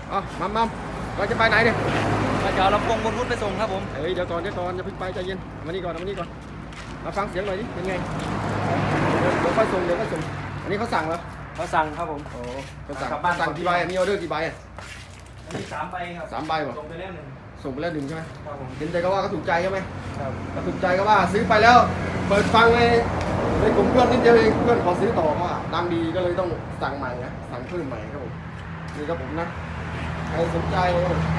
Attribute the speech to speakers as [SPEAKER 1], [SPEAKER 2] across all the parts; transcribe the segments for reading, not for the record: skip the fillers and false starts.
[SPEAKER 1] อ๋อมัมเราจะไปไหนเนี่ย
[SPEAKER 2] มาจะเอาลำโพงบลูทูธไปส่งครับผม
[SPEAKER 1] เฮ้ยเดี๋ยวก่อนอย่าเพิ่งไปใจเย็นมานี่ก่อนมาฟังเสียงหน่อยดิเป็นไงเดี๋ยวค่อยส่งอันนี้เขาสั่งเหรอ
[SPEAKER 2] เขาสั่งครับผม
[SPEAKER 1] โอ้เขาสั่ง
[SPEAKER 2] กลับบ้าน
[SPEAKER 1] สั่งกี่ใบมีออเดอร์กี่ใบ
[SPEAKER 2] อันนี้3 ใบครับ
[SPEAKER 1] 3 ใบเหรอ
[SPEAKER 2] ส่งไปแล้ว1
[SPEAKER 1] ส่งไปแล้ว1ใช่ไหม
[SPEAKER 2] ครับผม
[SPEAKER 1] เห็นใจก็ว่าเขาถูกใจใช่ไหม
[SPEAKER 2] ครับ
[SPEAKER 1] เขาถูกใจก็ว่าซื้อไปแล้วเปิดฟังในกลุ่มเพื่อนนิดเดียวเองเพื่อนขอซื้อต่อว่าดังดีก็เลยต้องสั่งใหม่นะสั่งเพิ่มใหม่ครับผมนี่ครับผมนะใครสนใจ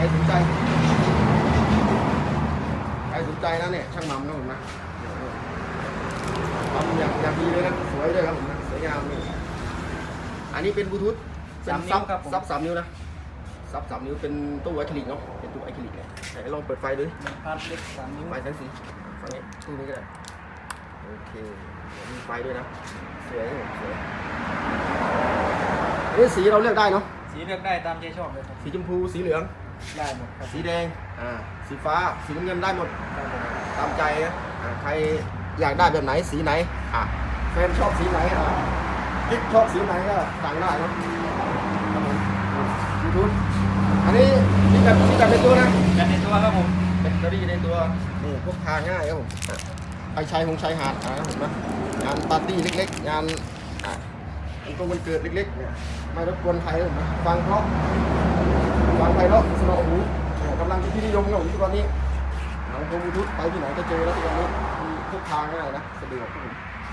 [SPEAKER 1] นะเนี่ยช่างมัมนะผมนะทำอย่างดีเลยนะสวยด้วยครับผมนะสวยงามนี่อันนี้เป็นบลูทูธเป็นซับ3 นิ้วนะซับ3 นิ้วเป็นตู้อะคริลิกเนาะเป็นตู้อะคริลิกเลยไหนลองเปิดไฟดูดิ
[SPEAKER 2] พาร์ทเล็ก3 นิ้ว
[SPEAKER 1] ไฟแสงสีฝั่งนี้ตู้นี้ก็ได้โอเคมีไฟด้วยนะสวยอันนี้สีเราเลือกได้เนาะ
[SPEAKER 2] สีเลือกได้ตามใจชอบเลยครับ
[SPEAKER 1] สีชมพูสีเหลือง
[SPEAKER 2] ได้หมดครับ
[SPEAKER 1] สีแดงสีฟ้าสีน้ำเงินได้หมด
[SPEAKER 2] ได้หมดครับ
[SPEAKER 1] ตามใจนะใครอยากได้แบบไหนสีไหนแฟนชอบสีไหนกิ๊กชอบสีไหนก็สั่งได้เนาะยูทูบอันนี้มีแบบในตัวนะ
[SPEAKER 2] แบตในตัวครับผม
[SPEAKER 1] แบตเตอรี่ในตัวนี่พกพาง่ายครับผมไปชายหาดนะครับผมนะงานปาร์ตี้เล็กๆงานวันเกิดเล็กๆเนี่ยไม่รบกวนใครครับผมนะฟังเพราะสนอหูกำลังที่นิยมครับผมทุกวันนี้หนังโคมบลูทูธไปที่ไหนก็เจอแล้วทุกวันนี้มีพกพาง่ายนะสะดวกครับผม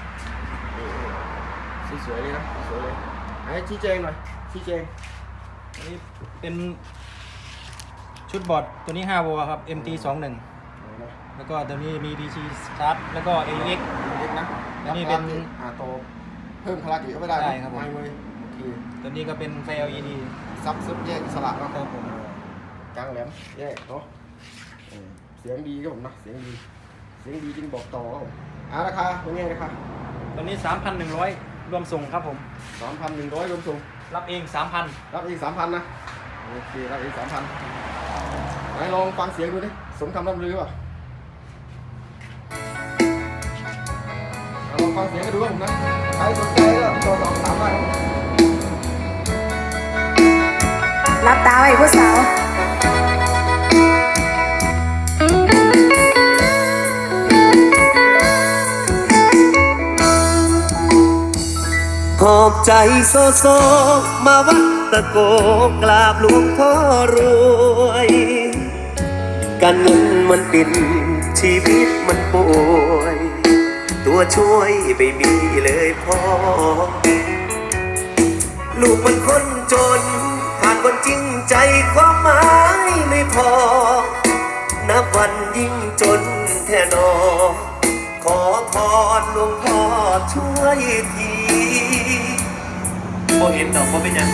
[SPEAKER 1] นี่สวยเลยนะสวยเลยให้ชี้แจงหน่อยชี้แจง
[SPEAKER 2] อันนี้เป็นชุดบอร์ดตัวนี้5 โวลต์ครับ MT21 แล้วก็ตัวนี้มี DC Start แล้วก็ AUX
[SPEAKER 1] เล็กนะ
[SPEAKER 2] อันนี้เป็น
[SPEAKER 1] โตเพิ่มพลังอีกก็ไม่ได้
[SPEAKER 2] ได้ครับผม
[SPEAKER 1] ไม่เว้ยโอเค
[SPEAKER 2] ตัวนี้ก็เป็นไฟ LED
[SPEAKER 1] ซับแยกอิสระเนาะ
[SPEAKER 2] ครับผม
[SPEAKER 1] กลางแหลมแยกเนาะเสียงดีครับผมนะเสียงดีจริงบอกต่อครับผมราคาเป็นไงราคา
[SPEAKER 2] ตัวนี้ 3,100 รวมส่งครับผม
[SPEAKER 1] 3,100รวมส่ง
[SPEAKER 2] รับเอง 3,000
[SPEAKER 1] รับอีก 3,000นะโอเครับอีก 3,000ไหนลองฟังเสียงดูดิสมคำร่ำลือป่ะลองฟังเสียงกันดูครับผมนะใครสนใจก็โทรสอบถามได้ครับผม
[SPEAKER 3] รับตาไว้ผู้สาว
[SPEAKER 4] หอบใจโซโซมาวัดตะโกกราบหลวงพ่อรวยการเงินมันปิดชีวิตมันป่วยตัวช่วยไม่มีเลยพ่อลูกมันคนจนขาดคนจริงใจความหมายไม่พอนับวันยิ่งจนแท่นอขอพรหลวงพ่อช่วยทีบ่เห็นดอกบ่เป็นหยัง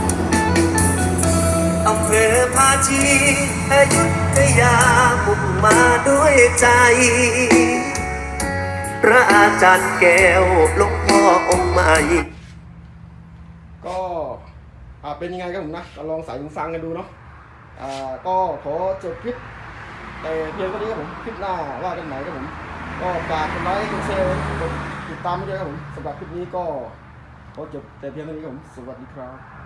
[SPEAKER 4] อำเภอภาชีอยุธยามุ่งมาด้วยใจ พระอาจารย์แก้วหลวงพ่อองค์ใหม่
[SPEAKER 1] ก็เป็นยังไงครับผมนะก็ลองใส่หูฟังกันดูเนาะก็ขอจบคลิปแต่เพียงเท่านี้ครับผมคลิปหน้าว่ากันไหนครับผมก็ฝากกดไลค์กดแชร์กดติดตามไปด้วยครับผมสำหรับคลิปนี้ก็ขอจบแต่เพียงเท่านี้ครับผมสวัสดีครับ